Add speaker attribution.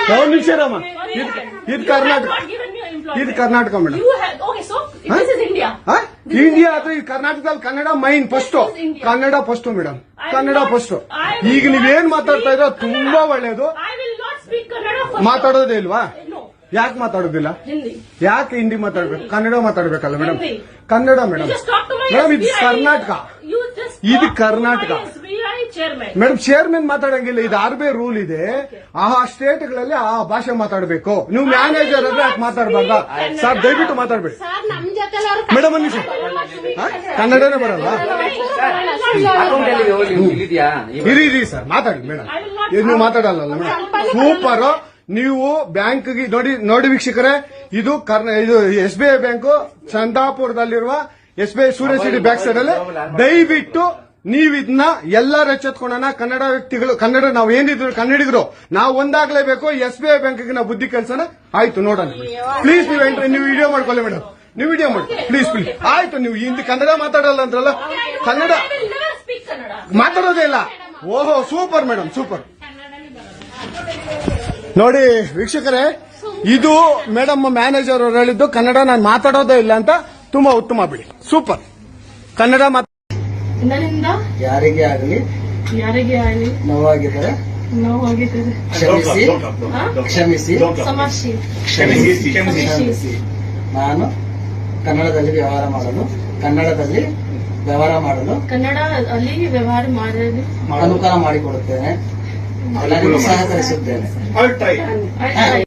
Speaker 1: ಒಂದು ನಿಮಿಷ ರಮ್ಮ, ಇದು ಕರ್ನಾಟಕ, ಇದು ಕರ್ನಾಟಕ ಮೇಡಮ್. ಇಂಡಿಯಾ ಅದು ಈ ಕರ್ನಾಟಕದಲ್ಲಿ Kannada main first, Kannada first madam, Kannada first. ಈಗ ನೀವೇನ್ ಮಾತಾಡ್ತಾ ಇರೋ ತುಂಬಾ ಒಳ್ಳೇದು. ಮಾತಾಡೋದೇ ಇಲ್ವಾ? ಯಾಕೆ ಮಾತಾಡೋದಿಲ್ಲ? ಯಾಕೆ ಹಿಂದಿ ಮಾತಾಡ್ಬೇಕು? ಕನ್ನಡ ಮಾತಾಡ್ಬೇಕಲ್ಲ ಮೇಡಮ್? ಕನ್ನಡ ಮೇಡಮ್. ಮೇಡಮ್ ಇದು ಕರ್ನಾಟಕ, ಇದು ಕರ್ನಾಟಕ ಮೇಡಮ್. ಚೇರ್ಮನ್ ಮಾತಾಡಂಗಿಲ್ಲ, ಇದು RBI ರೂಲ್ ಇದೆ. ಆ ಸ್ಟೇಟ್ಗಳಲ್ಲಿ ಆ ಭಾಷೆ ಮಾತಾಡಬೇಕು. ನೀವು ಮ್ಯಾನೇಜರ್ ಆದ್ರೆ ಯಾಕೆ ಮಾತಾಡಬಾರ್ದ? ಸರ್ ದಯವಿಟ್ಟು ಮಾತಾಡ್ಬೇಡಿ ಮೇಡಮ್. ಒಂದು ನಿಮಿಷ, ಕನ್ನಡನೇ ಬರಲ್ಲ? ಇರಿ ಸರ್, ಮಾತಾಡಿ ಮೇಡಮ್. ನೀವು ಮಾತಾಡಲ್ಲ ಮೇಡಮ್? ಸೂಪರ್. ನೀವು ಬ್ಯಾಂಕ್ಗೆ ನೋಡಿ ವೀಕ್ಷಕರೇ, ಇದು SBI ಬ್ಯಾಂಕ್ ಚಂದಾಪುರದಲ್ಲಿರುವ SBI ಸೂರ್ಯಸಿಟಿ ಬ್ಯಾಕ್ ಸೈಡ್ ಅಲ್ಲಿ. ದಯವಿಟ್ಟು ನೀವು ಇದನ್ನ ಎಲ್ಲರೂ ಎಚ್ಚೆತ್ಕೊಳ್ಳೋಣ. ಕನ್ನಡ ವ್ಯಕ್ತಿಗಳು, ಕನ್ನಡ ನಾವು ಏನಿದ್ರು ಕನ್ನಡಿಗರು, ನಾವು ಒಂದಾಗ್ಲೇಬೇಕು. SBI ಬ್ಯಾಂಕ್ಗೆ ನಾವು ಬುದ್ಧಿ ಕಲ್ಸೋಣ. ಆಯ್ತು, ನೋಡೋಣ ಪ್ಲೀಸ್. ನೀವು ವಿಡಿಯೋ ಮಾಡ್ಕೊಳ್ಳಿ ಮೇಡಮ್, ನೀವು ವಿಡಿಯೋ ಮಾಡಿ ಪ್ಲೀಸ್ ಪ್ಲೀಸ್. ಆಯ್ತು, ನೀವು ಹಿಂದಿ ಕನ್ನಡ ಮಾತಾಡಲ್ಲ ಅಂದ್ರಲ್ಲ, ಕನ್ನಡ ಮಾತಾಡೋದೇ ಇಲ್ಲ. ಓಹೋ, ಸೂಪರ್ ಮೇಡಮ್, ಸೂಪರ್. ನೋಡಿ ವೀಕ್ಷಕರೇ, ಇದು ಮೇಡಮ್ ಮ್ಯಾನೇಜರ್ ಅವರು ಹೇಳಿದ್ದು, ಕನ್ನಡ ನಾನು ಮಾತಾಡೋದೇ ಇಲ್ಲ ಅಂತ. ತುಂಬಾ ಉತ್ತಮ ಬಿಡಿ, ಸೂಪರ್. ಕನ್ನಡ ಯಾರಿಗೆ ಆಗಲಿ ನೋವಾಗಿದ್ದರೆ ಕ್ಷಮಿಸಿ. ನಾನು ಕನ್ನಡದಲ್ಲಿ ವ್ಯವಹಾರ ಮಾಡಲು ಅನುಕೂಲ ಮಾಡಿಕೊಡುತ್ತೇನೆ. ಎಲ್ಲರಿಗೂ ಸಹಕರಿಸುತ್ತೇನೆ.